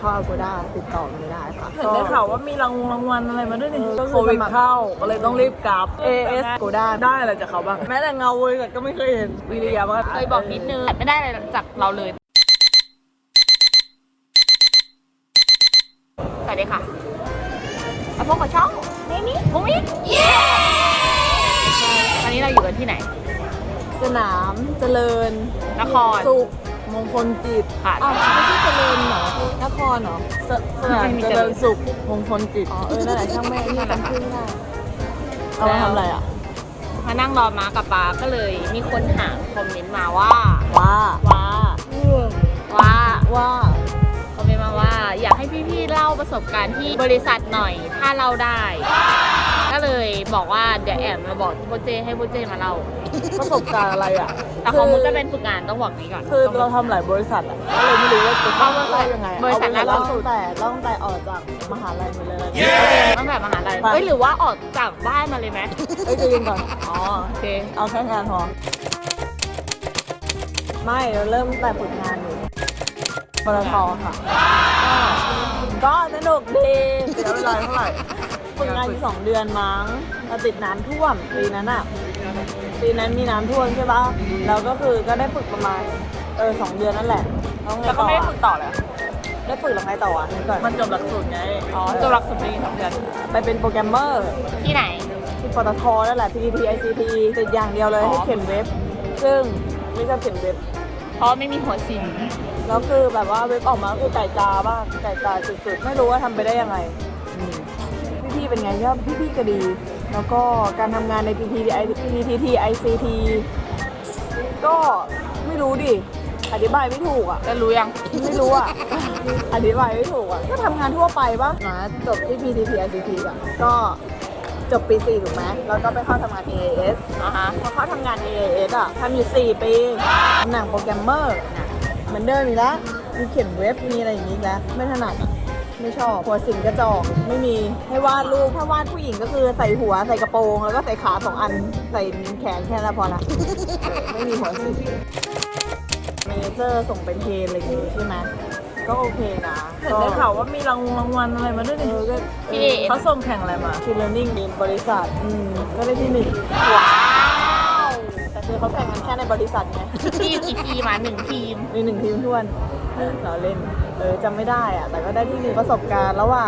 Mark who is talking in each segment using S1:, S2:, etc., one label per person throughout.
S1: เข้า Agoda ติดต่อไม่ได้ค่ะ
S2: เห็นได้ข่าวว่ามีรางวัลอะไรมาด้วยนี่โควิดเข้าก็เลยต้องรีบกลับ
S1: AS Agoda
S2: ได้อะไรจากเขาบ้างแม้แต่เงาบริษัทก็ไม่เคยเห็นวิริยะว่า
S3: เคยบอกนิดนึงแต่ไม่ได้อะไรจากเราเลยสวัสดีค่ะมาพบกับช่องนี่มุ้งมิ้งตอนนี้เราอยู่กันที่ไหน
S1: สนามเจริญ
S3: นคร
S1: สุขมงคลจิต
S3: ค่ะ
S1: อ้าวไม่ใช่เจริญเหรอนครเหรอ
S2: สนามเจริญสุขมงคลจิต
S1: อ๋อนั่นแหละช่างแม่นี่จำชื่อไม่ได้เอามาทำอะไรอ่ะ
S3: มานั่งรอม้ากับป๊าก็เลยมีคนถามคอมเมนต์มาว่า
S1: ว่า
S3: คอมเมนต์มาว่าอยากให้พี่ๆเล่าประสบการณ์ที่บริษัทหน่อยถ้าเล่าได้ ก็เลยบอกว่าเดี๋ยวแอมมาบอกโปรเจให้โปรเจมาเล่า
S1: ประสบการณ์อะไรอ่ะ
S3: แต่ของมุกก็เป็นฝึกงานต้องบอกนี้ก่อน
S1: คือเราทำหลายบริษัทอ่ะก็เลยไม่รู้ว่าจะต้องเล่ายังไง
S3: บริษัท
S1: เอา
S3: ล่าสุด
S1: ตั้งแต่ออกจากมหาลัยมาเลย
S3: ตั้งแต่มหาลัยเอ้ยหรือว่าออกจากบ้านมาเลยไหม
S1: ใจเย็นก่อน
S3: อ๋อโอเค
S1: เอาแค่งานพอไม่เราเริ่มแต่ฝึกงานอยู่ปตทค่ะก็สนุกดี
S2: เสียเวลาเท่าไหร่
S1: ฝึกงานอยู่2 เดือนมั้งเราติดน้ำท่วมปีนั้นอ่ะปีนั้นมีน้ำท่วมใช่ปะเราก็คือก็ได้ฝึกประมาณ2 เดือนนั่นแหละแล้วไง
S3: แล้วก็
S1: ต่อ
S3: ไม่ได้ฝึกต่อเลย
S1: ได้ฝึกแล้วไงต่ออ่ะนี่ก่อน
S2: มันจบหลักสูตรไง
S3: อ๋อจบหลักสูตรปี2 เดือน
S1: ไปเป็นโปรแกรมเมอร์
S3: ที่ไหน
S1: ที่ปตทนั่นแหละ PTT ICT ติดอย่างเดียวเลย
S3: อ๋อ
S1: ให้เขียนเว็บ ซึ่งไม่ชอบเขียนเว็บ
S3: เพราะไม่มีหัวซิน
S1: แล้วคือแบบว่าเว็บออกมาคือไก่กาบ้างไก่กาสุดๆไม่รู้ว่าทำไปได้ยังไงพี่ๆเป็นไงก็พี่ๆก็ดี แล้วก็การทำงานใน PTT ICT ก็ไม่รู้ดิอธิบายไม่ถูกอ่ะ
S3: จะรู้ยัง
S1: ไม่รู้อ่ะ อธิบายไม่ถูกอ่ะก็ทำงานทั่วไปปะนะจบที่ PTT ICT อ่ะก็จบปี 4 ถูกไหมแล้วก็ไปเข้าทำงาน AAS พอเข้าทำงาน AAS อ่ะทำอยู่ 4 ปีตำแหน่งโปรแกรมเมอร์เหมือนเดิมอีกแล้วมีเขียนเว็บมีอะไรอย่างนี้อีกแล้วไม่ถนัดอ่ะไม่ชอบหัวสิงกระจอกไม่มีให้วาดรูปถ้าวาดผู้หญิงก็คือใส่หัวใส่กระโปรงแล้วก็ใส่ขา2 อันใส่แขนแค่นั้นพอละไม่มีหัวสิงเมเนเจอร์ส่งเป็นเทรนอะไรอย่างงี้ใช่ไหมก็โอเคนะ
S2: เห็นได้ข่าวว่ามีรางวัลอะไรมาด้วยนี่
S1: ก็
S2: เขาส่งแข่งอะไรมา
S1: คิลเลอร์นิ่งในบริษัทก็ได้ที่ 1
S3: ว้าว
S1: แต่คือเขาแข่งกันแค่ในบริษัทไง
S3: ทีมกี่ทีมมา1 ทีม
S1: มี1 ทีมท้วนเราเล่นจำไม่ได้อะแต่ก็ได้ที่ 1 ประสบการณ์ระหว่าง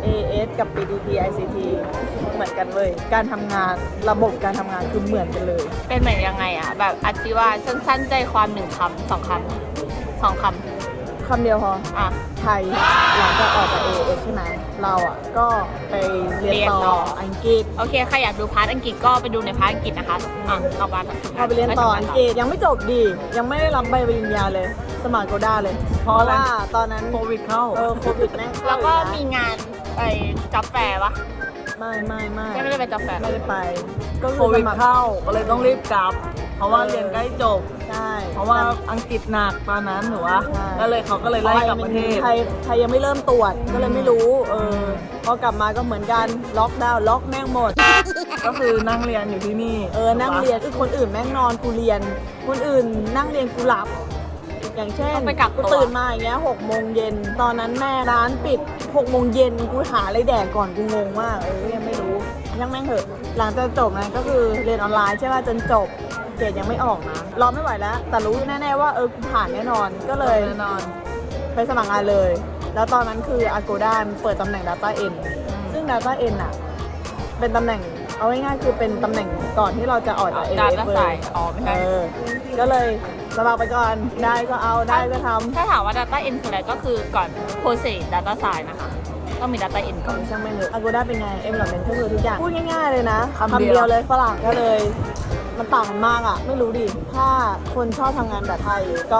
S1: AS กับ PTT ICT เหมือนกันเลยการทำงานระบบการทำงานคือเหมือนกันเลย
S3: เป็นเหมือนยังไงอ่ะแบบอธิบายสั้นๆใจความ1 คำ 2 คำ 2 คำ
S1: คำเดียวพอ
S3: อ่ะ
S1: ไทยหลังจากออกจาก AS ใช่ไหมเราอ่ะก็ไปเรียนต่ออังกฤษ
S3: โอเคใครอยากดูพาร์ทอังกฤษก็ไปดูในพาร์ทอังกฤษนะคะต่อมา
S1: พอไปเรียนต่ออังกฤษยังไม่จบดียังไม่ได้รับใบปริญญาเลยสมัครโกด้าเลย เพราะว่าตอนนั้น
S2: โควิดเข้า
S1: โควิดแม่งเข้า
S3: แล้วก็
S1: อีนะ
S3: มีงานไปจ็อบแฟร์ปะ
S1: ไม่
S3: ไม่ได้ไปจ็อบแฟร์
S1: ไม่ได้ไป ก็
S2: โค
S1: คือ
S2: วิ
S1: ส
S2: ด
S1: มัคร
S2: เข้าก็เลยต้องรีบกลับ เพราะว่าเรียนใกล้จบ
S1: ใช่
S2: เพราะว่าอังกฤษหนักตอนนั้นหนูว่า
S1: ใช่
S2: ก็เลยเขาก็เลยไล่กลับประเทศ
S1: ไทยยังไม่เริ่มตรวจก็เลยไม่รู้พอกลับมาก็เหมือนกันล็อกดาวน์ล็อกแม่งหมด
S2: ก็คือนั่งเรียนอยู่ที่นี่
S1: นั่งเรียนคือคนอื่นแม่งนอนกูเรียน คนอื่นนั่งเรียนกูหลับ อย่างเช่น
S3: ต้องไปกักตัว
S1: ตื่นมาอย่างเงี้ย6 โมงเย็นตอนนั้นแม่ร้านปิด6 โมงเย็นกูหาอะไรแดกก่อนกูงงมากยังไม่รู้ยังแม่งเหอะหลังจากจบนะก็คือเรียนออนไลน์ใช่ป่ะจนจบเกรดยังไม่ออกนะรอไม่ไหวแล้ว แต่รู้แน่ๆว่ากูผ่านแน่นอนก็เลย
S2: แน่นอน
S1: ไปสมัครงานเลย แล้วตอนนั้นคือ Agoda เปิดตำแหน่ง Data End ซึ่ง Data End อ่ะเป็นตำแหน่งเอาง่ายๆคือเป็นตำแหน่งก่อนที่เราจะออกจาก
S3: ดา
S1: AS
S3: ต้า
S1: เล
S3: ไซ
S1: ย
S3: น์อ๋อไม่ใช่
S1: ก็เลยสมัครไปก่อนได้ก็เอาได้ก็ทำ
S3: ถ้าถามว่า Data End คืออะไรก็คือก่อน Process Data Science นะคะต้องมี Data End ก่อน
S1: ช่างไม่เลย Agoda เป็นไง Development ก็คือทุกอย่าง พูดง่ายๆเลยนะ
S2: คำเดียว
S1: เลยฝรั่งก็เลย มันต่างกันมากอ่ะ ไม่รู้ดิ ถ้าคนชอบทำงานแบบไทยก็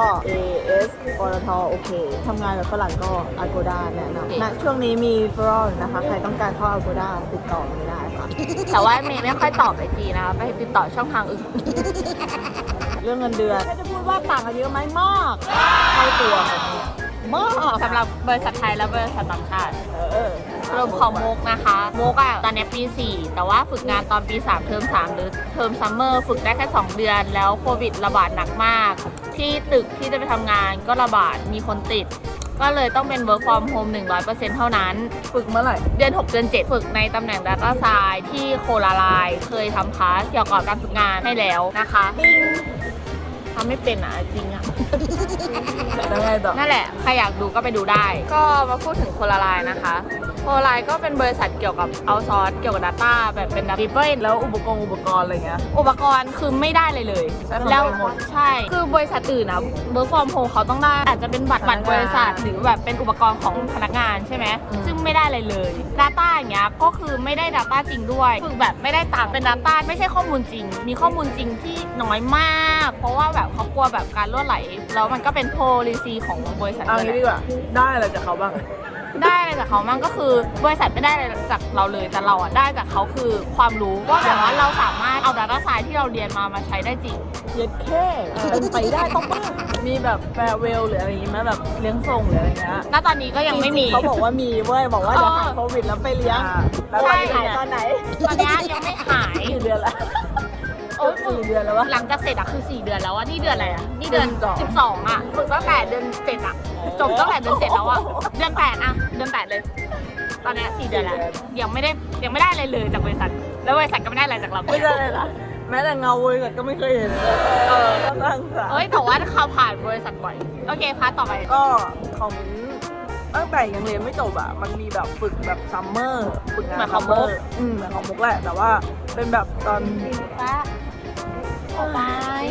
S1: AS ปตทโอเคทำงานแบบฝรั่งก็ Agoda แนะนำนะช่วงนี้มีฟรอลนะคะ ใครต้องการเข้า Agoda ติดต่อไม่ได้ค่ะ
S3: แต่ว่าเมย์ไม่ค่อยตอบไอจีนะคะไปติดต่อช่องทางอื่น
S1: เรื่องเงินเดือนแค่จะพูดว่าต่างกันเยอะไหมมากเท่าตัวมาก
S3: สำหรับบริษัทไทยและบริษัทต่างชาติ
S1: เ
S3: รวมของมุกนะคะมุกอะตอนนี้ปี 4 แต่ว่าฝึกงานตอนปี 3 เทอม 3 หรือเทอมซัมเมอร์ฝึกได้แค่ 2 เดือน แล้วโควิดระบาดหนักมาก ที่ตึกที่จะไปทำงานก็ระบาดมีคนติดก็เลยต้องเป็น work from home 100% เท่านั้น
S2: ฝึกเมื่อไหร่
S3: เดือน 6 เดือน 7 ฝึกในตำแหน่ง Data Science ที่โคลาไลน์เคยทำคลาสเกี่ยวกับการฝึกงานให้แล้วนะคะทำไม่เป็นอ่ะจริงอ่ะ
S2: แล้วไงต่อ
S3: นั่นแหละ ใครอยากดูก็ไปดูได้ ก็มาพูดถึงโคลาไลน์นะคะ โคลาไลน์ก็เป็นบริษัทเกี่ยวกับเอาซอร์สเกี่ยวกับ Data แบบเป็น Data
S2: แล้วอุปกรณ์อะไรเงี้ย
S3: อุปกรณ์คือไม่ได้เลย
S2: ใช้ของ
S3: แล้ว
S2: ตัวเองหมด
S3: ใช่ คือบริษัทอื่นนะ work from home เขาต้องได้ อาจจะเป็นบัตรบริษัทหรือแบบเป็นอุปกรณ์ของพนักงานใช่ไหม ซึ่งไม่ได้เลย Data อย่างเงี้ยก็คือไม่ได้ Data จริงด้วยฝึกแบบไม่ได้ตามเป็น Data ไม่ใช่ข้อมูลจริง มีข้อมูลจริงที่น้อยมาก เพราะว่าแบบเขากลัวแบบการรั่วไหล แล้วมันก็เป็น policy ของบริษัท
S2: เอางี้ดีกว่าได้อะไรจากเขาบ้าง
S3: ได้อะไรจากเขามั่งก็คือบริษัทไม่ได้อะไรจากเราเลยแต่เราอะได้จากเขาคือความรู้ว่าแบบว่าเราสามารถเอา Data Science ที่เราเรียนมาใช้ได้จริง
S1: เย็ดแค่เป็นไปได้ต้องบ้า
S2: มีแบบแฟร์เวลหรืออะไรอย่างงี้ไหมแบบเลี้ยงส่งหรืออะไรเงี้ย
S3: ณตอนนี้ก็ยังไม่มี
S1: เขาบอกว่ามีเว้ยบอกว่าเดี๋ยวหายโควิดแล้วไปเลี้ยง
S2: แล้ว
S3: ใช่
S2: ตอนนี้
S1: หายตอนไหน
S3: ตอนนี้ยังไม่หาย
S2: กี่เดือนละ
S3: โอ้ย
S2: 4 เดือนแล้ววะ
S3: หลังจากเสร็จอะคือ4 เดือนแล้วอะนี่เดือนอะไรอะนี่เดือน
S2: เดือน
S3: 12อะฝึกตั้งแต่เดือน7อะจบตั้งแต่เดือน7แล้วอะเดือน8อะเดือน8เลย ตอนนี้4 เดือนแล้วยังไม่ได้อะไรเลยจากบริษัทแล้วบริษัทก็ไม่ได้อะไรจากเรา
S2: ไม่ได้เลยล่ะแม้แต่เงาบริษัทก็ไม่เคยเห็นก็สร้างสรรค์
S3: เอ้ยแต่ว่าเขาผ่านบริษัทบ่อยโอเคพาร์ทต่อไป
S2: ก็ของตั้งแต่ยังเรียนไม่จบอะมันมีแบบฝึกแบบซัมเมอร์ฝึกงาน
S3: เหมือนของ
S2: ซัมเมอ
S3: มุ
S2: ร์
S3: ก
S2: เหมือนของมุกแหละแต่ว่าเป็นแบบตอน
S3: ป้าออกไป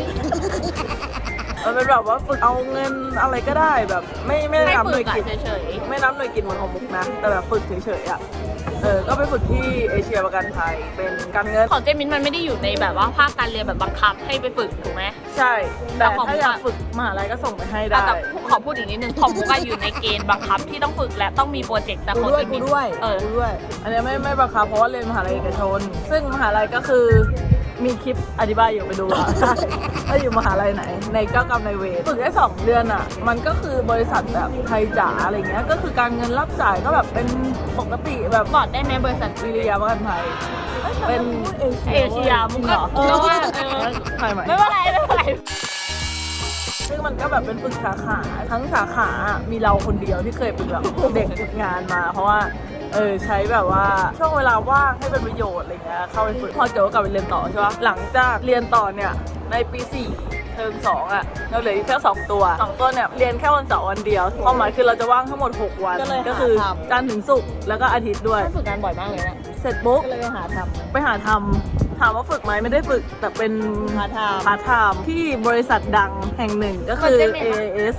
S2: มันเป็นแบบว่าฝึกเอาเงินอะไรก็ได้แบบไม่ได้
S3: ให้
S2: นับห
S3: ฝึ
S2: น่ว
S3: ก
S2: ย
S3: อะ
S2: กิจ
S3: เฉย
S2: ไม่นับหน่วยกิจเหมือนของมุกนะแต่แบบฝึกเฉยๆอะก็ไปฝึกที่เอเชียประกันภัยเป็นการเงิน
S3: ๆของเจมินมันไม่ได้อยู่ในแบบว่าภาคการเรียนแบบบังคับให้ไปฝึกถูกไหม
S2: ใช่แต่
S3: แต่ของ
S2: ถ้าอยากฝึกมหาลัยก็ส่งไปให้ได้
S3: แต่ขอพูดอีกนิดนึงของมุกอะอยู่ในเกณฑ์บังคับที่ต้องฝึกและต้องมีโปรเจกต์แต่
S1: กู
S3: ของ
S1: ด้วย
S3: เจ
S1: กู
S3: มิน
S1: ด้วย
S3: เออ
S1: กูด้วย
S2: อันนี้ไม่บังคับเพราะว่าเรียนมหาลัยเอกชน ซึ่งมหาลัยก็คือมีคลิปอธิบายอยู่ไปดูอ่ะ ว่าอยู่มหาลัยไหน ในเจ้ากรรมนายเวรฝึกได้2 เดือนอ่ะ มันก็คือบริษัทแบบไทยจ๋าอะไรเงี้ยก็คือการเงินรับจ่ายก็แบบเป็นปกติแบบ
S3: บอกได้ไหมบริษัท
S2: วิริยะประกันภัยเป็น
S3: เอเชียมุกก็
S2: เออ
S3: ว่า
S2: ถ่ายใหม่
S3: ไม่เป็นไรไม่เป็นไร
S2: ซึ่งมันก็แบบเป็นฝึกสาขาทั้งสาขามีเราคนเดียวที่เคยเป็นแบบเด็กฝึกงานมา เพราะว่าใช้แบบว่าช่วงเวลาว่างให้เป็นประโยชน์อะไรเงี้ยเข้าไปฝึกพอจบก็กลับไปเรียนต่อใช่ปะหลังจากเรียนต่อเนี่ยในปี4เทอม2อ่ะเราเหลืออีกแค่2 ตัวเนี่ยเรียนแค่วันเสาร์วันเดียวความหมายคือเราจะว่างทั้งหมด6 วัน
S1: ก็เลย
S2: ก็คือ
S1: หาทำ
S2: จันทร์ถึงศุกร์แล้วก็อาทิตย์ด้วย
S3: ฝึกงานบ่อยมากเลยนะ
S2: เสร็จปุ๊บ
S1: ก็เลยไปหาท
S2: ไปหาทำถามว่าฝึกไหมไม่ได้ฝึกแต่เป็น
S1: ำหาทำ
S2: พาร์ทไทม์ที่บริษัทดังแห่งหนึ่งก็คือ AAS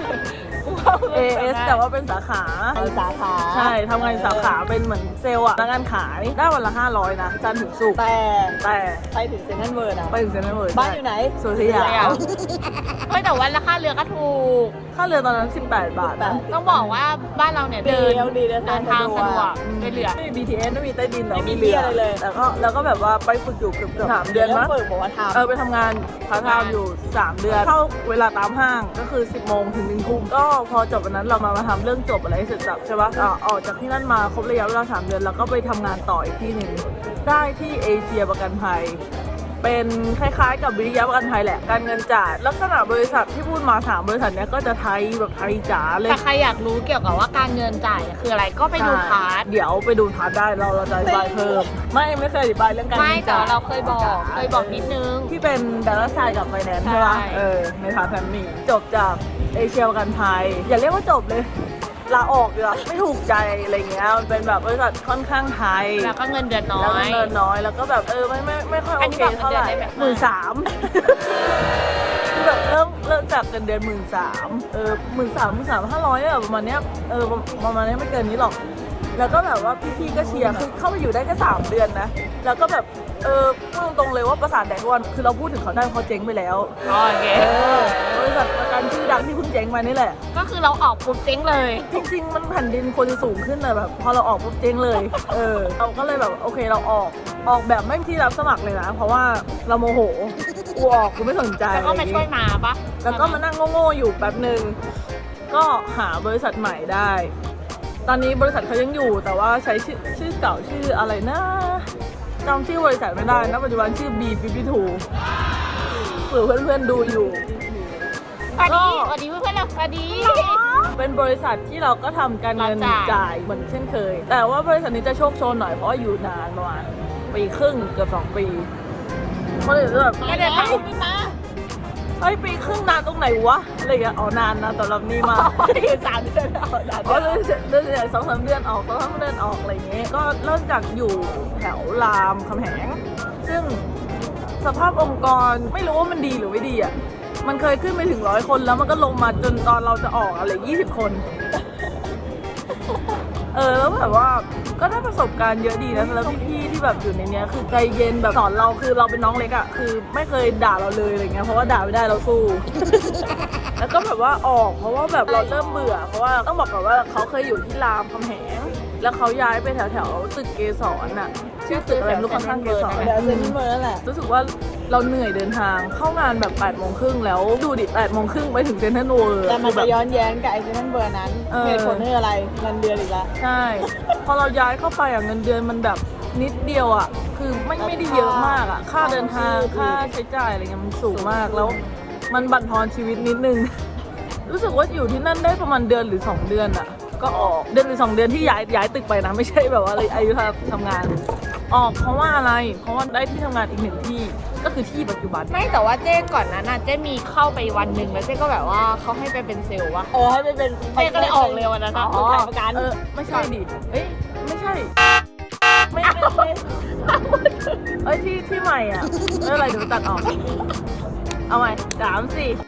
S2: AAS แต่ว่าเป็นสาขา
S1: ไปสาขา
S2: ใช่ทำงานสาขาเป็นเหมือนเซลล์อะพนักงานขายได้วันละ500นะจันทร์ถึงศุกร์
S1: แต่
S2: แต่
S1: ไปถึงเซ็นทรัลเวิร์ดอะ
S2: ไปถึงเซ็นทรัลเวิลด์
S1: บ้านอยู่ไหน
S2: สุริยา
S3: เฮ้ยแต่ว่าราคาเรือก็ถูก
S2: ค่าเรือตอนนั้น18 บาทนะ
S3: ต้องบอกว่าบ้านเราเนี่ยเดิน
S1: ดีเดินทาง
S3: ทางสะดวก
S2: อืม
S3: ด้วยเรือ
S2: ไม่มี BTS ไม่มีใต้ดินแต่
S1: ไม่มี
S2: เรือ
S1: เรืออะไรเลย
S2: แล้วก็แบบว่าไปฝึกอยู่เกือบ3 เดือนมั้ง
S1: ฝึกบอกว่าทำ
S2: ไปทำงานพาร์ทไทม์อยู่ 3 เดือน เข้าเวลาตามห้างก็คือ 10 โมงถึง 1 ทุ่มก็พอจบวันนั้นเรามาทำเรื่องจบอะไรให้เสร็จสับใช่ปะออกจากที่นั่นมาครบระยะเวลา 3 เดือน แล้วก็ไปทำงานต่ออีกที่หนึ่งได้ที่เอเชียประกันภัย เป็นคล้ายๆกับวิริยะประกันภัยแหละ การเงินจ่ายลักษณะบริษัทที่พูดมา3 บริษัทเนี้ยก็จะไทยแบบไทยจ๋าเลย
S3: แต่ใครอยากรู้เกี่ยวกับว่าการเงินจ่ายคืออะไรก็ไปดูพาร์ท
S2: เดี๋ยวไปดูพาร์ทได้เราจะอธิบายเพิ่ม ไม่เคยอธิบายเรื่องการ
S3: ไม่
S2: เงิน
S3: แต่
S2: จ่าย
S3: ว่าเราเคยบอกนิดนึง
S2: ที่เป็นดาราไซด์กับไฟแนนซ์ใช่ปะ
S3: ใช่
S2: ในพาร์ทแฟมมี่จบจากเอเชียประกันภัยอย่าเรียกว่าจบเลยลาออกดีกว่าไม่ถูกใจอะไรเงี้ยมันเป็นแบบบริษัทค่อนข้างไทย
S3: แล้วก็เงินเดือนน้อ
S2: แล้วก็
S3: ย
S2: เงินน้อยแล้วก็แบบไม่ค่อย
S3: อั
S2: โอน
S3: นี้
S2: เค
S3: บอก
S2: เท่าไหร่
S3: เงินเดือนได้แบบ
S2: 13,000คือแบบเริ่มจากเงินเดือน13,500เนี่ยประมาณเนี้ยประมาณเนี้ยไม่เกินนี้หรอก แล้วก็แบบว่าพี่ๆก็เชียร์คือเข้าไปอยู่ได้แค่3 เดือนนะแล้วก็แบบพูดตรงๆเลยว่าประสาทแดกทุกวันคือเราพูดถึงเขาได้เพราะเขาเจ๊งไปแล้ว
S3: โอเค
S2: บริษัทประกันชื่อดังที่เพิ่งเจ๊งมานี่แหละ
S3: ก็คือเราออกปุ๊บเจ๊งเลย
S2: จริงๆ มันแผ่นดินควรจะสูงขึ้นแต่แบบพอเราออกปุ๊บเจ๊งเลย เราก็เลยแบบโอเคเราออกแบบไม่มีที่รับสมัครเลยนะ เพราะว่าเราโมโหกูออกกูไม่สนใจ
S3: แล้วก็มาช่วยมาปะ
S2: แล้วก็มานั่งโง่ๆอยู่แป๊บหนึ่งก็หาบริษัทใหม่ได้ ตอนนี้บริษัทเขายังอยู่แต่ว่าใช้ชื่อเก่าชื่ออะไรนะจำชื่อบริษัทไม่ได้นะปัจจุบันชื่อ B52 เผื่อเพื่อนๆดูอยู่
S3: สวัสดีเพื่อนๆเราสวัสดี
S2: เป็นบริษัทที่เราก็ทำการเงินจ่ายเหมือนเช่นเคย แต่ว่าบริษัทนี้จะโชคโชนหน่อยเพราะว่าอยู่นานประมาณปีครึ่งเกือบ2 ปีคนอื่นจะแบบ
S3: ไม่ได้ทำ
S2: เฮ้ยปีครึ่งนานตรงไหนวะอะไรอย่างเงี้ยอ๋อนานนะสำหรับนี่มาก
S3: 3 เดือนเอาได้
S2: อ๋อเดือนใหญ่2-3 เดือนออก2-3 เดือนออกอะไรอย่างเงี้ยก็เริ่มจากอยู่แถวรามคำแหงซึ่งสภาพองค์กรไม่รู้ว่ามันดีหรือไม่ดีอ่ะมันเคยขึ้นไปถึง100 คนแล้วมันก็ลงมาจนตอนเราจะออกอะไร20 คนแล้วแบบว่าก็ได้ประสบการณ์เยอะดีนะแล้วพี่ๆที่แบบอยู่ในเนี้ยคือใจเย็นแบบสอนเราคือเราเป็นน้องเล็กอ่ะคือไม่เคยด่าเราเลยอะไรเงี้ยเพราะว่าด่าไม่ได้เราสู้ แล้วก็แบบว่าออกเพราะว่าแบบเราเริ่มเบื่อเพราะว่าต้องบอกก่อนว่าเขาเคยอยู่ที่รามคำแหงแล้วเขาย้ายไปแถวตึกเกสรน่ะชื่อตึกอะไรไม่รู้ข้างๆเกสร
S1: เดี๋ยวเซ็นทรัลเวิลด์นั่นแหละ
S2: รู้สึกว่าเราเหนื่อยเดินทางเข้างานแบบ8:30แล้วดูดิ8:30ไปถึงเซ็นทรัลเวิลด์
S1: แต่มัน
S2: แบ
S1: จะ
S2: บ
S1: ย้อนแย้งกับไอ้เซ็นทรัลเวิลด์นั้น เหตุผลคืออะไรเงินเดือนอีกแล้ว
S2: ใช่ พอเราย้ายเข้าไปอ่ะเงินเดือนมันแบบนิดเดียวอ่ะคือไม่ได้เยอะมากอ่ะค่าเดินทางค่าใช้จ่ายอะไรเงี้ยมันสูงมากแล้วมันบั่นทอนชีวิตนิดนึง รู้สึกว่าอยู่ที่นั่นได้ประมาณเดือนหรือ2 เดือนอ่ะก็ออกเดือนหรือ2 เดือนที่ย้ายตึกไปนะไม่ใช่แบบว่าอายุทำงานออกเพราะว่าอะไรเพราะว่าได้ที่ทำงานอีก1 ที่ก็คือที่ปัจจุบัน
S3: ไม่แต่ว่าเจ๊ก่อนนั้นน่ะเจ๊มีเข้าไปวันหนึ่งแล้วเจ๊ก็แบบว่าเขาให้ไปเป็นเซลล์วะ
S1: ให้ไปเป็น
S3: เจ๊ก็เลยออกเลยวันนั้นนะ
S1: อ๋อ
S3: ขายประกัน
S2: ไม่ใช่ดิเอ้ยไม่ใช่ไม่เอ้ยที่ใหม่อ่ะอะไรเดี๋ยวตัดออกเอาใหม่3-4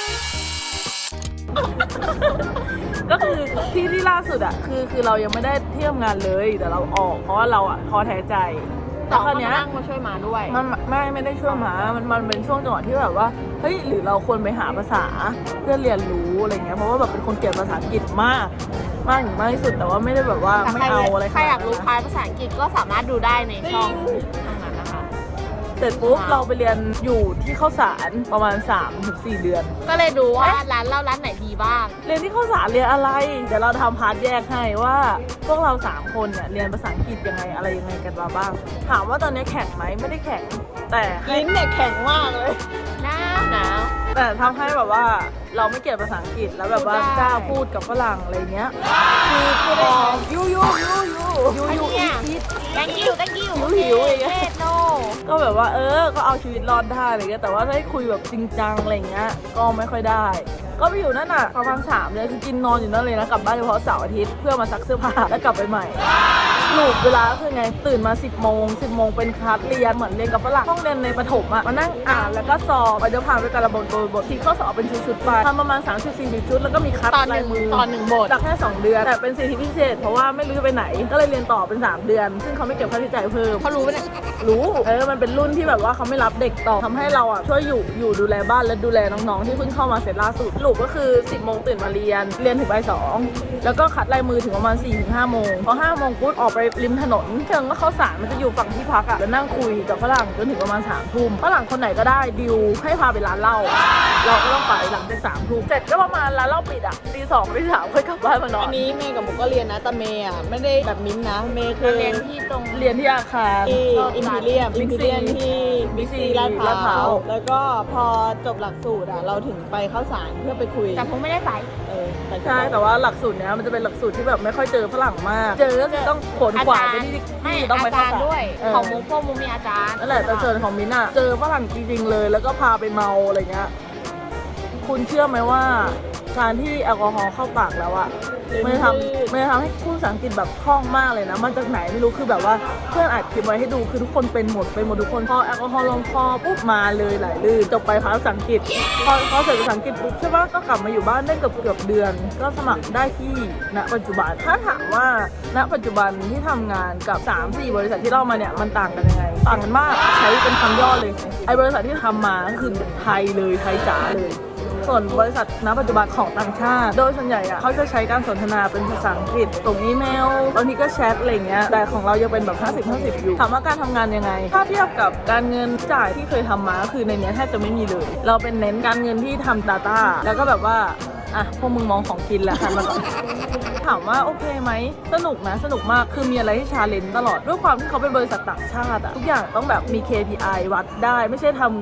S2: ก็คือที่ล่าสุดอ่ะคือเรายังไม่ได้เที่ยวงานเลยแต่เราออกเพราะว่าเราอ่ะท้อแท้ใจแต่คราวเนี้ย
S3: นั่งมาช่วยมาด้วย
S2: มันไม่ได้ช่วยมันเป็นช่วงจังหวะที่แบบว่าเฮ้ยหรือเราควรไปหาภาษาเพื่อเรียนรู้อะไรเงี้ยเพราะว่าแบบเป็นคนเกลียดภาษาอังกฤษมากถึงมากที่สุดแต่ว่าไม่ได้แบบว่าไม่เอาอะไร
S3: ใครอยากรู้คลายภาษาอังกฤษก็สามารถดูได้ในช่องนั้นนะคะ
S2: เสร็จปุ๊บเราไปเรียนอยู่ที่ข้าวสารประมาณ 3-4 เดือน
S3: ก็เลยดูว่าร้านเหล้าร้านไหนดีบ้าง
S2: เรียนที่ข้าวสารเรียนอะไรเดี๋ยวเราทำพาร์ทแยกให้ว่าพวกเรา3 คนเนี่ยเรียนภาษาอังกฤษยังไงอะไรยังไงกันมาบ้างถามว่าตอนนี้แข่งไหมไม่ได้แข่งแต่ให้
S1: ลิ้นเนี่ยแข็งมากเลย
S3: หนาว
S2: แต่ทำให้แบบว่าเราไม่เกลียดภาษาอังกฤษแล้วแบบว่า
S3: พูดได้
S2: กล้าพูดกับฝรั่งอะไรเงี้ย
S1: คือพูดได้ไง
S2: ยู
S3: เนี่ย
S2: อีท
S3: thank you
S2: หิวอย่างเงี้ย
S3: เทศโน
S2: ก็แบบว่าก็เอาชีวิตรอดได้อะไรเงี้ยแต่ว่าถ้าให้คุยแบบจริงจังอะไรเงี้ยก็ไม่ค่อยได้ ก็ไปอยู่นั่นน่ะประมาณ3 เดือนคือกินนอนอยู่นั่นเลยนะกลับบ้านเฉพาะเสาร์อาทิตย์เพื่อมาซักเสื้อผ้าแล้วกลับไปใหม่ลูกเวลาคือไงตื่นมา10 โมงเป็นคลาสเรียนเหมือนเรียนกับฝรั่งห้องเรียนในประถมอ่ะมานั่งอ่านแล้วก็สอบไปเดี๋ยวผ่านไปแต่ละบทที่ข้อสอบเป็นชุดๆไปทำประมาณ30-40 ชุดแล้วก็มีคัด
S3: ตอนห
S2: ลา
S3: นึ่
S2: ย
S3: ง
S2: มือ
S3: ตอนหนึ่งบท
S2: จากแค่2 เดือนแต่เป็นสิทธิพิเศษเพราะว่าไม่รู้จะไปไหนก็เลยเรียนต่อเป็น3 เดือน ซึ่งเขาไม่เก็บค่าใช้จ่ายเพิ่ม
S3: เขารู้ปะเนี่ย
S2: รู้มันเป็นรุ่นที่แบบว่าเขาไม่รับเด็กต่อทำให้เราอ่ะช่วยอยู่ดูแลบ้านและดูแลน้องๆที่เพิ่งเข้ามาเสร็จล่าสุดลูกก็คือ 10 โมงตื่นมาเรียนถึงบ่าย 2แล้วก็คัดลายมือถึงประมาณ 4-5 โมงพอ5 โมงปุ๊บออกไปริมถนนเชิงก็เข้าสารมันจะอยู่ฝั่งที่พักอ่ะแล้วนั่งคุยกับฝรั่งจนถึงประมาณ3 ทุ่มฝรั่งคนไหนก็ได้ดิวให้พาไปร้านเหล้าเราก็ต้องไปหลังจาก3 ทุ่มเสร็จก็ประมาณร้านเหล้าปิดอ่ะตี 2ตี 3ค่อยกลับบ้านมานอน
S1: อันนี้เมย์กับหมูก็เรียนนะแต่เมย์อ่ะไม่ได้แบบมิ้นท์นะเมย์คือ
S3: เรียนที่ตรง
S2: เรียนที่อาคาร
S1: ที่อิมพีเรียม
S2: Big C
S1: ที่บิ๊กซีลาดพ
S2: ลาดพร้า
S1: ร้าว วแล้วก็พอจบหลักสูตรอ่ะเราถึงไปเข้าสารเพื่อไปคุย
S3: แต่ผมไม่ได้ไป
S2: ใช่แต่ว่าหลักสูตรเนี้ยมันจะเป็นหลักสูตรที่แบบไม่ค่อยเจอฝรั่งมาก เจอก็คือต้องขนขวานไปที่
S3: ไม่
S2: ต้องไป
S3: อา
S2: เข้า
S3: จารย์
S2: สาร
S3: ด้วย ของมุกพวกมุกมีอาจารย์
S2: นั่นแหละแต่ส่วนของมิ้นท์อะเจอฝรั่งจริงๆเลยแล้วก็พาไปเมาอะไรเงี้ยคุณเชื่อไหมว่าการที่แอลกอฮอล์เข้าปากแล้วอะมันจะทำให้พูดภาษาอังกฤษแบบคล่องมากเลยนะมาจากไหนไม่รู้คือแบบว่าเพื่อนอัดคลิปไว้ให้ดูคือทุกคนเป็นหมดทุกคนพอแอลกอฮอล์ลงคอปุ๊บมาเลยไหลลื่นจบไปภาษาอังกฤษพอเสร็จภาษาอังกฤษปุ๊บใช่ปะก็กลับมาอยู่บ้านได้เกือบเดือน ก็สมัครได้ที่ณปัจจุบันถ้าถามว่าณปัจจุบันที่ทำงานกับ 3-4 บริษัทที่เล่ามาเนี่ยมันต่างกันยังไงต่างกันมากใช้เป็นคำย่อเลยไอ้บริษัทที่ทำมาก็คือไทยเลยไทยจ๋าเลยส่วนบริษัทณปัจจุบันของต่างชาติโดยส่วนใหญ่อะเขาจะใช้การสนทนาเป็นภาษาอังกฤษส่งอีเมลบางทีก็แชทอะไรเงี้ยแต่ของเรายังเป็นแบบ50-50อยู่ถามว่าการทำงานยังไงถ้าเทียบกับการเงินจ่ายที่เคยทำมาก็คือในเนี้ยแทบจะไม่มีเลยเราเป็นเน้นการเงินที่ทำ Data แล้วก็แบบว่าอ่ะพวกมึงมองของกินแหละค่ะมาก่อนถามว่าโอเคไหมสนุกนะสนุกมากคือมีอะไรให้ชาเลนจ์ตลอดด้วยความที่เขาเป็นบริษัทต่างชาติอะทุกอย่างต้องแบบมี KPI วัดได้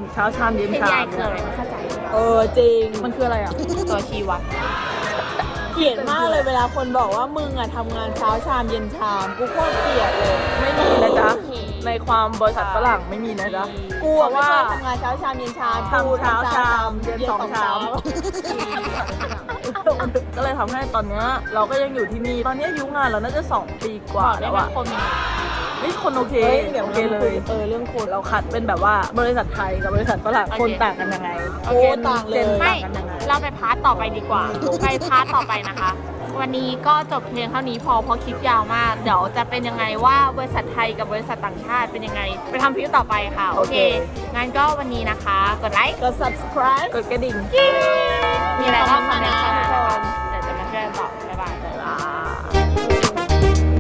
S2: ไม่ใช่ทำเช้าชามเย็นชาม
S3: KPI คืออะไรไม่เข้าใจ
S1: จริง
S2: มันคืออะไรอะ
S3: ตัวชี้วัด
S1: เกลียดมากเลยเวลาคนบอกว่ามึงอะทำงานเช้าชามเย็นชามกูโคตรเกลียดเลย
S2: ไม่มีนะจ๊ะในความบริษัทฝรั่งไม่มีนะจ๊ะ
S1: กูอะไม่ชอบทำงานเช้าชามเย็นชาม
S2: ทำเช้าชามเย็นสองชาม ก็เลยทำให้ตอนเนี้ยเราก็ยังอยู่ที่นี่ตอนนี้อายุงานเราน่าจะ2 ปีกว่าแล้วอะ
S3: คน
S2: นี่คนโอเค
S1: เฮ้ยเดี๋ยว
S2: โอเคเลย
S1: เรื่องคน
S2: เราคัดเป็นแบบว่าบริษัทไทยกับบริษัทฝรั่งคนต่างกันยังไง
S1: โอ้ต่างเลย
S2: จน
S3: ไม่
S2: ต่างกันยังไง
S3: เราไปพาร์ทต่อไปดีกว่า ไปพาร์ทต่อไปนะคะ วันนี้ก็จบเพียงเท่านี้พอเพราะคลิปยาวมาก เดี๋ยวจะเป็นยังไงว่าบริษัทไทยกับบริษัทต่างชาติเป็นยังไง ไปทำคลิปต่อไปค่ะ โอเค งั้นก็วันนี้นะคะ กดไลค์
S1: กด subscribe
S2: กดกระดิ่ง
S3: มีอะไรก็คอมเมนต์
S1: คอมเมนต์
S3: มา
S1: มา
S3: นะคะ
S1: นะ
S3: เดี๋ยวจะมาช่วยกันตอบ